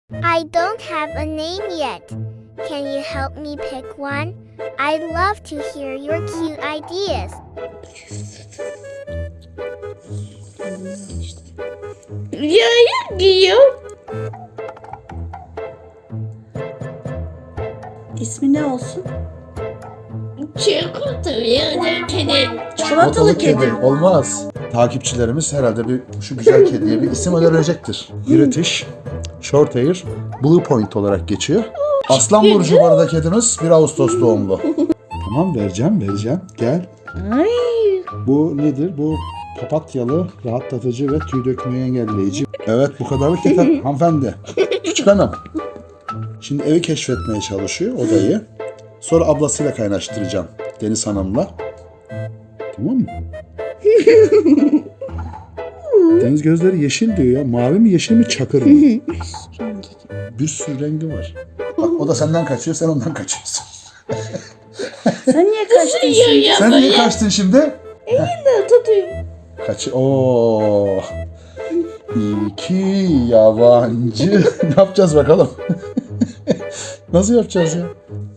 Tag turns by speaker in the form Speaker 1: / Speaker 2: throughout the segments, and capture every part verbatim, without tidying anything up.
Speaker 1: I don't have a name yet. Can you help me pick one? I'd love to hear your cute ideas.
Speaker 2: Rüyaya diyor.
Speaker 3: İsmi ne olsun?
Speaker 2: Çikolatalı kedi.
Speaker 3: Çikolatalı kedi.
Speaker 4: Olmaz. Takipçilerimiz herhalde bir şu güzel kediye bir isim önerecektir. British Shorthair Blue Point olarak geçiyor. Aslan burcu bu arada kediniz. bir Ağustos doğumlu. Tamam, vereceğim vereceğim. Gel.
Speaker 2: Ay.
Speaker 4: Bu nedir? Bu papatyalı, rahatlatıcı ve tüy dökmeyi engelleyici. Evet, bu kadarlık yeter hanımefendi. Küçük hanım. Şimdi evi keşfetmeye çalışıyor, odayı. Sonra ablasıyla kaynaştıracağım. Deniz Hanım'la. Tamam mı? Deniz gözleri yeşil diyor ya. Mavi mi, yeşil mi, çakır mı? Bir sürü rengi var. Bak, o da senden kaçıyor, sen ondan kaçıyorsun.
Speaker 3: Sen niye kaçtın şimdi?
Speaker 2: Ya
Speaker 4: Sen niye
Speaker 2: böyle
Speaker 4: kaçtın şimdi?
Speaker 2: de tutuyorum.
Speaker 4: Kaç? Oo. İki yabancı. Ne yapacağız bakalım? Nasıl yapacağız ya?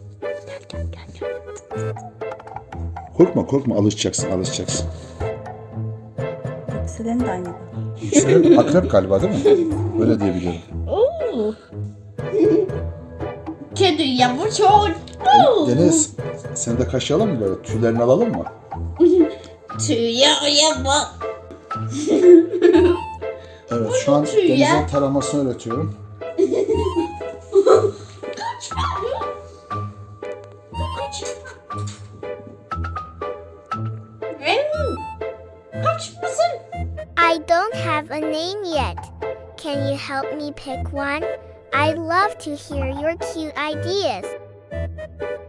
Speaker 4: Korkma korkma, alışacaksın alışacaksın.
Speaker 3: Yükselen de aynı.
Speaker 4: Yükselen akrep galiba değil mi? Öyle diyebiliyorum.
Speaker 2: Oo. Kedi yavru.
Speaker 4: Deniz, sen de kaşıyalım mı böyle? Tüylerini alalım mı?
Speaker 2: Tüya yava.
Speaker 4: Evet, şu an
Speaker 2: tüy ya.
Speaker 4: Deniz'in taramasını öğretiyorum.
Speaker 2: Kaç mısın?
Speaker 1: I don't have a name yet. Can you help me pick one? I'd love to hear your cute ideas.